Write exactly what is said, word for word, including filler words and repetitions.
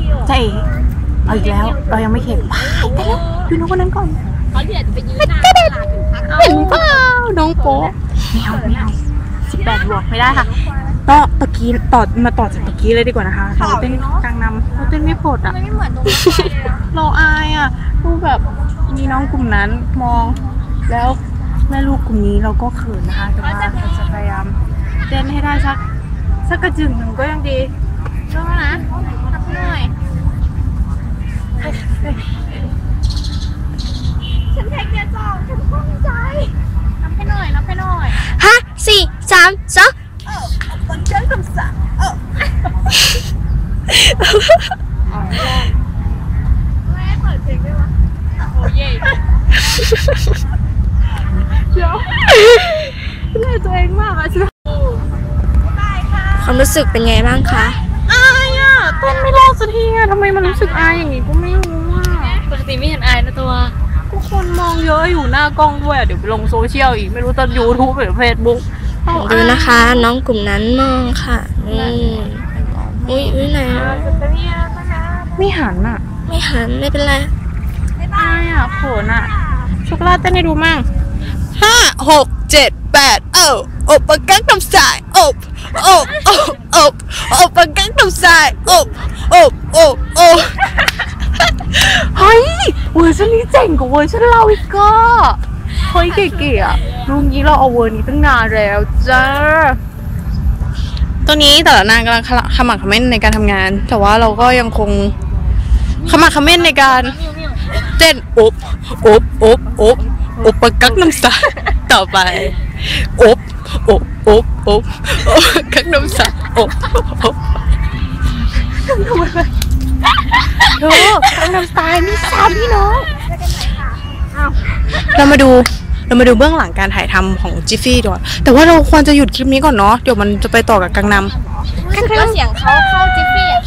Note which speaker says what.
Speaker 1: ใช่เอาอีกแล้วเรายังไม่เห็นว้ายแต่แล้วดูน้องคนนั้นก่อนเขาเดี๋ยวจะไปยืนหน้าตลาดถึงพักเห็นเปล่าน้องโป๊ะไม่เอาไม่เอาสิบแปดบวกไม่ได้ค่ะต่อตะกี้ต่อมาต่อจากตะกี้เลยดีกว่านะคะเราเต้นกลางนำเราเต้นไม่โผล่อะไม่เหมือนตรงเราอายอ่ะดูแบบมีน้องกลุ่มนั้นมองแล้วแม่ลูกกลุ่มนี้เราก็เขินนะคะแต่ว่าเราจะพยายามเต้นให้ได้สักสักกระจึงหนึ่งก็ยังดีใช่ไหมนะทักหน่อยฉันเทคเดียจองฉันภูมิใจนับให้หน่อยนับให้หน่อย
Speaker 2: ห้าสี่สามสอง
Speaker 1: เออมันเจ้าคำสั่งเออแม่เปิดเพลงได้ไหมโอ้ยเดี๋ยวเหนื่อยตัวเองมากอะใช่ไหม
Speaker 2: ความรู้สึกเป็นไงบ้างคะ
Speaker 1: อายอ่ะเต้นไม่รอดสักทีอ่ะทำไมมันรู้สึกอายอย่างงี้ก็ไม่รู้อ่ะปกติไม่เห็นอายนะตัวทุกคนมองเยอะอยู่หน้ากล้องด้วยเดี๋ยวไปลงโซเชียลอีกไม่รู้จะยูทูบหรือเฟซบุ๊ก
Speaker 2: ดูนะคะน้องกลุ่มนั้นมองค่ะอืมอุ้ยอุ้ยไหน
Speaker 1: ไม่หันอ่ะ
Speaker 2: ไม่หันไม่เป็นไร
Speaker 1: อายอ่ะโขนอ่ะช็อกโกแลตเต้นให้ดูมั่ง
Speaker 3: ห้าหกเจ็ดแปดเอ้าอบปากกังทำสายอบอบอบอบอบปากกังทำสายอบอบอบอบ
Speaker 1: เฮ้ยเวอร์ชันนี้เจ๋งกว่าเวอร์ชันเราอีกก็เฮ้ยเก๋ๆอ่ะลุงนี้เราเอาเวอร์นี้ตั้งนานแล้วจ้า
Speaker 3: ตัวนี้แต่ละนางกำลังขมักเขม้นในการทำงานแต่ว่าเราก็ยังคงขมักเขม้นในการเต้นอบอบอบอบอบปากกังน้ำสายต่อไปอบอบอบอบอบกังน้ำสายอบอบ
Speaker 1: เธอกังน้ำสายมีสามพี่น้อง
Speaker 3: เรามาดูเรามาดูเบื้องหลังการถ่ายทำของจิฟฟี่ด้วยแต่ว่าเราควรจะหยุดคลิปนี้ก่อนเนาะเดี๋ยวมันจะไปต่อกับกังนำ
Speaker 2: รู้สึกว่าเสียงเขาเข้าจิฟฟี่